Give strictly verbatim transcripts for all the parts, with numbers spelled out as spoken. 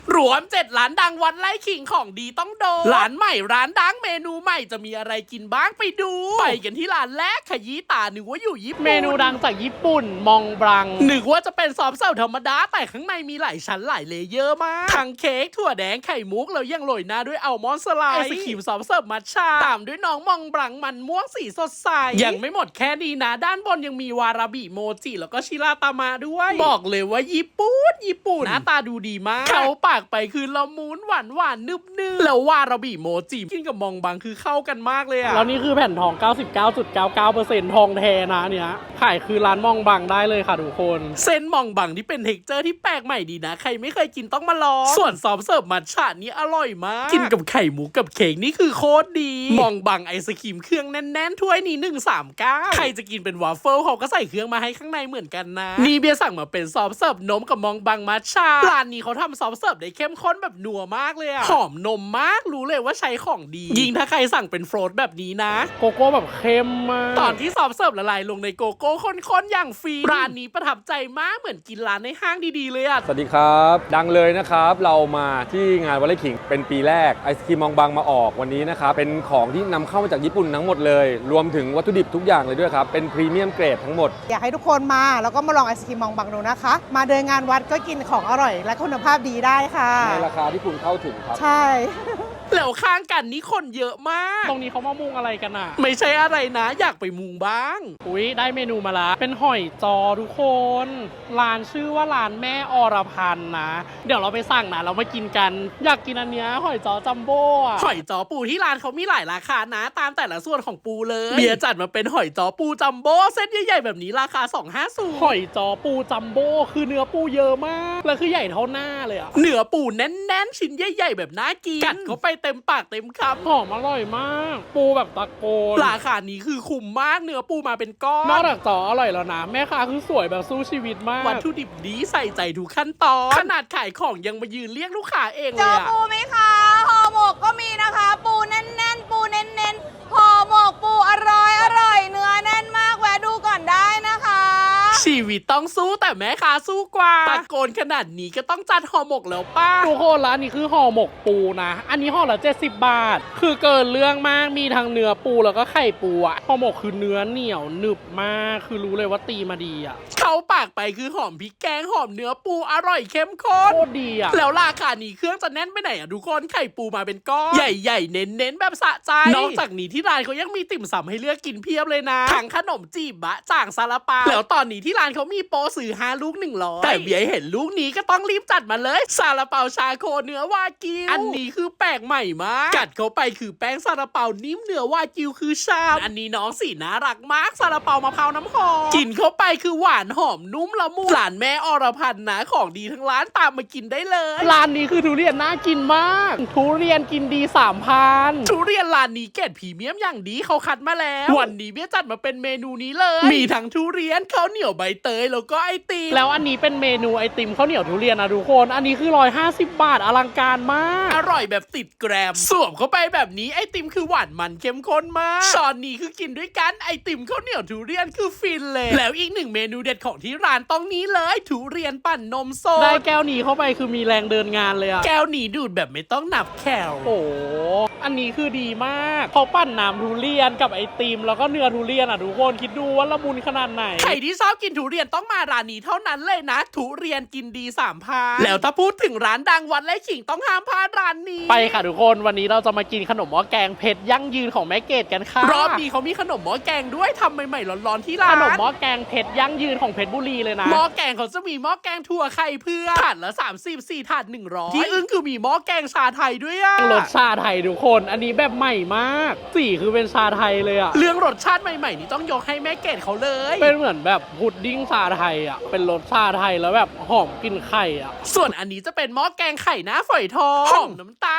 รวมเจ็ดร้านดังวัดไร่ขิงของดีต้องโดนร้านใหม่ร้านดังเมนูใหม่จะมีอะไรกินบ้างไปดูไปกันที่ร้านแรกขยี้ตานึกว่าอยู่ญี่ปุ่นเมนูดังจากญี่ปุ่นมองบรังนึกว่าจะเป็นซอฟต์เสิร์ฟธรรมดาแต่ข้างในมีหลายชั้นหลายเลเยอร์มากทั้งเค้กถั่วแดงไข่มุกแล้วยังโรยหน้าด้วยอัลมอนด์สไลด์ไอศครีมซอฟต์เสิร์ฟมัทฉะตามด้วยน้องมองบรังมันม่วงสีสดใสยังไม่หมดแค่นี้นะด้านบนยังมีวาราบิโมจิแล้วก็ชิราตามะด้วยบอกเลยว่าญี่ปุ่นญี่ปุ่นหน้าตาดูดีมากเขาปากไปคือละมุนหวานหวานนึบนึบแล้ววาราบิโมจิกินกับมองบรังคือเข้ากันมากเลยอะแล้วนี่คือแผ่นทอง เก้าสิบเก้าจุดเก้าเก้าเปอร์เซ็นต์ ทองแท้นะเนี้ยขายคือร้านมองบรังได้เลยค่ะทุกคนเส้นมองบรังที่เป็นเท็กเจอร์ที่แปลกใหม่ดีนะใครไม่เคยกินต้องมาลองส่วนซอฟต์เสิร์ฟมัทฉะนี่อร่อยมากกินกับไข่หมูกับเค้กนี่คือโคตรดีมองบรังไอศครีมเครื่องแน่นๆถ้วยนี้หนึ่งสามเก้าใครจะกินเป็นวาฟเฟิลเขาก็ใส่เครื่องมาให้ข้างในเหมือนกันนะนี่เบียร์สั่งมาเป็นซอฟต์เสิร์ฟนมกับมองบรังมัทฉะร้านนี้เขาทำซอฟต์เสิร์ฟได้เข้มข้นแบบนัวมากเลยอะหอมนมมากรู้เลยว่าใช้ของดียิ่งถ้าใครสั่งเป็นโฟลตแบบนี้นะโกโก้แบบเข้มมากตอนที่ซอฟต์เสิร์ฟละลายลงในโกโก้ข้นๆอย่างฟรีร้านนี้ประทับใจมากเหมือนกินร้านในห้างดีๆเลยอะสวัสดีครับดังเลยนะครับเรามาที่งานวัดไร่ขิงเป็นปีแรกไอศครีมมองบรังมาออกวันนี้นะครับเป็นของที่นำเข้ามาจากญี่ปุ่นทั้งหมดเลยรวมถึงวัตถุดิบทุกอย่างเลยด้วยครับเป็นพรีเมียมเกรดทั้งหมดอยากให้ทุกคนมาแล้วก็มาลองไอศครีมมองบรังดูนะคะมาเดินงานวัดก็กินของอร่อยและคุณภาพดีได้ค่ะในราคาที่คุณเข้าถึงครับใช่แล้วข้างกันนี้คนเยอะมากตรงนี้เขามามุงอะไรกันอ่ะไม่ใช่อะไรนะอยากไปมุงบ้างอุ้ยได้เมนูมาละเป็นหอยจอทุกคน ร้านชื่อว่าร้านแม่อรพันธ์นะเดี๋ยวเราไปสั่งนะเรามากินกันอยากกินอันเนี้ยหอยจอจัมโบ้อะหอยจอปูที่ร้านเขามีหลายราคานะตามแต่ละส่วนของปูเลยเบียร์จัดมาเป็นหอยจอปูจัมโบ้เส้นใหญ่ๆแบบนี้ราคาสองร้อยห้าสิบหอยจอปูจัมโบ้คือเนื้อปูเยอะมากแล้วคือใหญ่เท่าหน้าเลยอะเนื้อปูแน่นๆชิ้นใหญ่ๆแบบน่ากินกัดเข้าไปเต็มปากเต็มคำหอมอร่อยมากปูแบบตะโกนราคานี้คือคุ้มมากเนื้อปูมาเป็นก้อนนอกจากจออร่อยแล้วนะแม่ค้าคือสวยแบบสู้ชีวิตมากวัตถุดิบดีใส่ใจทุกขั้นตอนขนาดขายของยังมายืนเรียกลูกค้าเองเลยอะเจอปูไหมคะห่อหมกก็มีนะคะปูแน่นๆปูเน้นๆห่อหมกปูอร่อยอร่อยเนื้อแน่นมากแวะดูก่อนได้นะคะชีวิตต้องสู้แต่แม่ค้าสู้กว่าตะโกนขนาดนี้ก็ต้องจัดห่อหมกแล้วป้าทุกคนร้านนี้คือห่อหมกปูนะอันนี้ห่อละเจ็ดสิบบาทคือเกินเรื่องมากมีทั้งเนื้อปูแล้วก็ไข่ปูอะห่อหมกคือเนื้อเหนียวหนึบมากคือรู้เลยว่าตีมาดีอะเขาปากไปคือหอมพริกแกงหอมเนื้อปูอร่อยเข้มข้นโคตรดีอะแล้วราคานี้เครื่องจะแน่นไปไหนอะทุกคนไข่ปูมาเป็นก้อนใหญ่ๆเน้นๆแบบสะใจนอกจากนี้ที่ร้านเขายังมีติ่มซำให้เลือกกินเพียบเลยนะทั้งขนมจีบบะจ่างซาลาเปาแล้วตอนนี้ที่ร้านเขามีโปรซื้อห้าลูกหนึ่งร้อยแต่เบียร์เห็นลูกนี้ก็ต้องรีบจัดมาเลยซาลาเปาชาโคเนื้อวากิวอันนี้คือแปลกใหม่มากกัดเข้าไปคือแป้งซาลาเปานิ่มเนื้อวากิวคือชามอันนี้น้องสีน่ารักมากซาลาเปามะพร้าวน้ำหอมกินเข้าไปคือหวานหอมนุ่มละมุนร้านแม่อรพันธ์นะของดีทั้งร้านตามมากินได้เลยร้านนี้คือทุเรียนน่ากินมากทุเรียนกินดีสามพันทุเรียนร้านนี้เกรดพรีเมียมอย่างดีเขาคัดมาแล้ววันนี้เบี้ยจัดมาเป็นเมนูนี้เลยมีทั้งทุเรียนข้าวเหนียวใบเตยแล้วก็ไอติมแล้วอันนี้เป็นเมนูไอติมข้าวเหนียวทุเรียนนะทุกคนอันนี้คือหนึ่งร้อยห้าสิบบาทอลังการมากอร่อยแบบติดแกรมสวมเข้าไปแบบนี้ไอติมคือหวานมันเข้มข้นมากช้อนนี้คือกินด้วยกันไอติมข้าวเหนียวทุเรียนคือฟินเลยแล้วอีกหนึ่งเมนูเด็ดของที่ร้านต้องนี้เลยทุเรียนปั่นนมสดได้แก้วนี้เข้าไปคือมีแรงเดินงานเลยอะแก้วนี้ดูดแบบไม่ต้องนับแคลโอ้อันนี้คือดีมากเขาปั่นน้ำทุเรียนกับไอติมแล้วก็เนื้อทุเรียนอ่ะทุกคนคิดดูว่าละมุนขนาดไหนใครที่ชอบกินทุเรียนต้องมาร้านนี้เท่านั้นเลยนะทุเรียนกินดีสามพันแล้วถ้าพูดถึงร้านดังวัดไร่ขิงต้องห้ามพลาดร้านนี้ไปค่ะทุกคนวันนี้เราจะมากินขนมหม้อแกงเผ็ดยั่งยืนของแม่เกดกันค่ะรอบนี้เขามีขนมหม้อแกงด้วยทำใหม่ๆร้อนๆที่ร้านขนมหม้อแกงเผ็ดยั่งยืนของเพชรบุรีเลยนะหม้อแกงเขาจะมีหม้อแกงถั่วไข่เพื่อถาดละสามสิบสี่ถาดหนึ่งร้อยที่อึ้งคือมีหม้อแกงชาไทยด้วยอะรสชาไทยทุกคนอันนี้แบบใหม่มากสีคือเป็นชาไทยเลยอะเรื่องรสชาติใหม่ๆนี่ต้องยกให้แม่เกดเขาเลยเป็นเหมือนแบบพุดดิ้งชาไทยอะเป็นรสชาไทยแล้วแบบหอมกลิ่นไข่อะส่วนอันนี้จะเป็นหม้อแกงไข่หน้าฝอยทองหอมน้ำตาล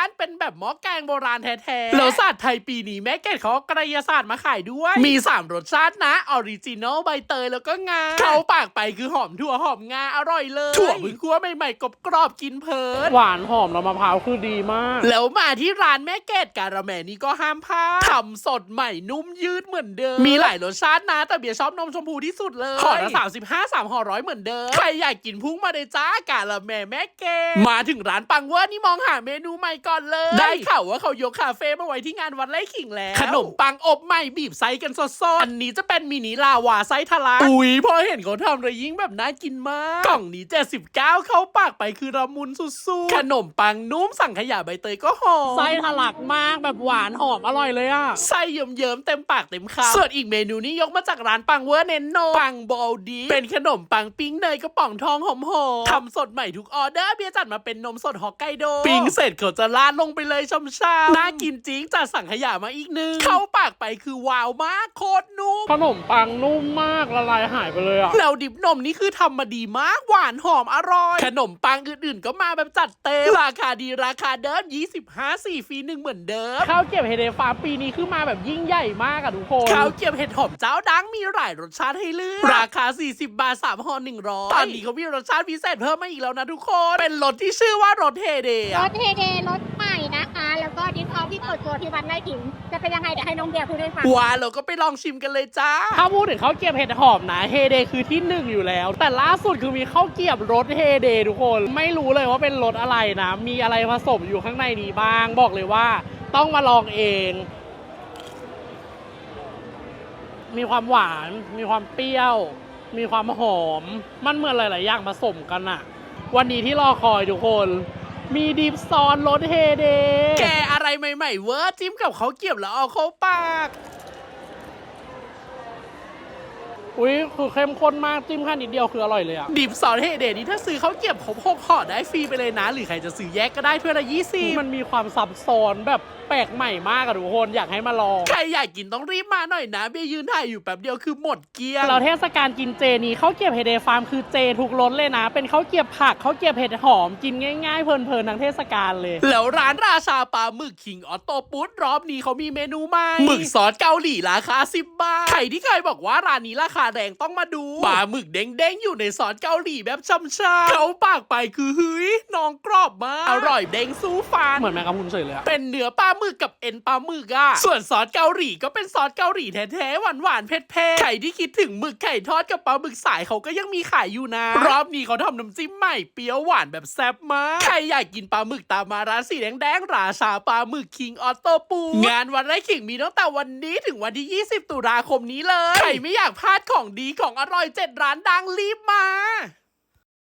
านเป็นแบบหม้อแกงโบราณแท้ๆแล้วศาสตร์ไทยปีนี้แม่เกดเขาเอากระยาศาสตร์มาขายด้วยมีสามรสชาตินะออริจินอลใบเตยแล้วก็งาเข้าปากไปคือหอมถั่วหอมงาอร่อยเลยถั่วเพิ่งคั่วใหม่ๆกรอบๆกินเพลินหวานหอมแล้วมะพร้าวคือดีมากแล้วมาที่ร้านแม่เกดการาแมนี่ก็ห้ามพลาดทำสดใหม่นุ่มยืดเหมือนเดิมมีหลายรสชาตินะแต่เบียร์ชอบนมชมพูที่สุดเลยห่อละสามสิบห้า สามห่อร้อยเหมือนเดิมใครอยากกินพุ่งมาเลยจ้ากาละแมแม่เกดมาถึงร้านปังเวอร์นี่มองหาเมนูใหม่ก่อนเลยได้ข่าวว่าเขายกคาเฟ่มาไว้ที่งานวัดไร่ขิงแล้วขนมปังอบใหม่บีบไส้กันสดๆอันนี้จะเป็นมินิลาวาไส้ทะลักอุ้ยพอเห็นเขาทำเลยยิ่งแบบน่ากินมากกล่องนี้เจ็ดสิบเก้าเข้าปากไปคือละมุนสุดๆขนมปังนุ่มสั่งขยะใบเตยก็หอมไส้ทะลักมากแบบหวานหอมอร่อยเลยอ่ะไส้เยิ้มๆเต็มปากเต็มคำส่วนอีกเมนูนี้ยกมาจากร้านปังเวอร์เน้นโนปังบอลดีเป็นขนมปังปิ้งเนยกระป๋องทองหอมๆทำสดใหม่ทุกออเดอร์เบียร์จัดมาเป็นนมสดฮอกไกโดปิ้งเสร็จเขาจะราดลงไปเลยช่ำๆน่ากินจริงจัดสั่งขยะมาอีกนึงเข้าปากไปคือว้าวมากโคตรนุ่มขนมปังนุ่มมากละลายหายไปเลยอ่ะแล้วดิบนมนี่คือทำมาดีมากหวานหอมอร่อยขนมปังอื่นๆก็มาแบบจัดเต็มราคาดีราคาเดิมยี่สิบห้า สี่ฟรีหนึ่งเหมือนเดิมข้าวเก็บเฮเดฟาร์มปีนี้คือมาแบบยิ่งใหญ่มากอะทุกคนข้าวเกรี๊ยวเห็ดหอมเจ้าดังมีหลายรสชาติให้เลือกราคาสี่สิบบาทสามห่อหนึ่งร้อยตอนนี้เขามีรสชาติพิเศษเพิ่มมาอีกแล้วนะทุกคนเป็นรสที่ชื่อว่ารสเฮเดย์รถเฮเดรถใหม่นะคะ แล้วก็ดิฟออฟที่เปิดตัวที่วันไร่ขิงจะเป็นยังไงเดี๋ยวให้น้องเดียพูดให้ฟังว้าเราก็ไปลองชิมกันเลยจ้าถ้าพูดถึงข้าวเกรี๊ยวเห็ดหอมนะเฮเดคือที่หนึ่งอยู่แล้ว แต่ล่าสุดคือมีข้าวเกรี๊ยวรสเฮเดทุกคนไม่รู้เลยว่าเป็นรสอะไรนะมีอะไรผสมอยู่ข้างในนี้บ้างบอกเลยว่าต้องมาลองเอง มีความหวาน มีความเปรี้ยว มีความหอม มันเหมือนหลายๆอย่างผสมกันอะวันนี้ที่รอคอยทุกคน มีดิฟซอนรสเฮเดแกอะไรใหม่ๆเวอร์จิ้มกับเขาวเกรี๊ยวแล้วเอาเข้าปากอุ้ยคือเข้มข้นมากจิ้มแค่นิดเดียวคืออร่อยเลยอะดิบซอสเฮเดย์นี่ถ้าซื้อเขาวเกรี๊ยวครบหกห่อได้ฟรีไปเลยนะหรือใครจะซื้อแยกก็ได้ถ้วยละยี่สิบมันมีความซับซ้อนแบบแปลกใหม่มากอะทุกคนอยากให้มาลองใครอยากกินต้องรีบมาหน่อยนะเบียร์ยืนถ่ายอยู่แป๊บเดียวคือหมดเกลี้ยงเราเทศกาลกินเจนี้ข้าวเกรี๊ยวเฮเดฟาร์มคือเจทุกรสเลยนะ เป็นข้าวเกรี๊ยวผักข้าวเกรี๊ยวเห็ดหอมกินง่ายๆเพลินๆทั้งเทศกาลเลยแล้วร้านราชาปลาหมึกคิงออโต้ปุ๊ดรอบนี้เขามีเมนูใหม่หมึกซอสเกาหลีราคาสิบบาทใครที่เคยบอกว่าร้านนี้ราคาแรงต้องมาดูปลาหมึกเด้งๆอยู่ในซอสเกาหลีแบบช่ำๆเขาปากไปคือเฮ้ยน้องกรอบมากอร่อยเด้งสู้ฟันเหมือนแมงกะพรุนเฉยเลยอะเป็นเนื้อปลาหมึกกับเอ็นปลาหมึกอะส่วนซอสเกาหลีก็เป็นซอสเกาหลีแท้ๆหวานๆเผ็ดๆใครที่คิดถึงหมึกไข่ทอดกับปลาหมึกสายเขาก็ยังมีขายอยู่นะรอบนี้เขาทำน้ำจิ้มใหม่เปรี้ยวหวานแบบแซ่บมากใครอยากกินปลาหมึกตามมาร้านสีแดงๆราชาปลาหมึกคิงออโต้ปูงานวันไร่ขิงมีตั้งแต่วันนี้ถึงวันที่ยี่สิบตุลาคมนี้เลยใครไม่อยากพลาดของดีของอร่อยเจ็ดร้านดังรีบมา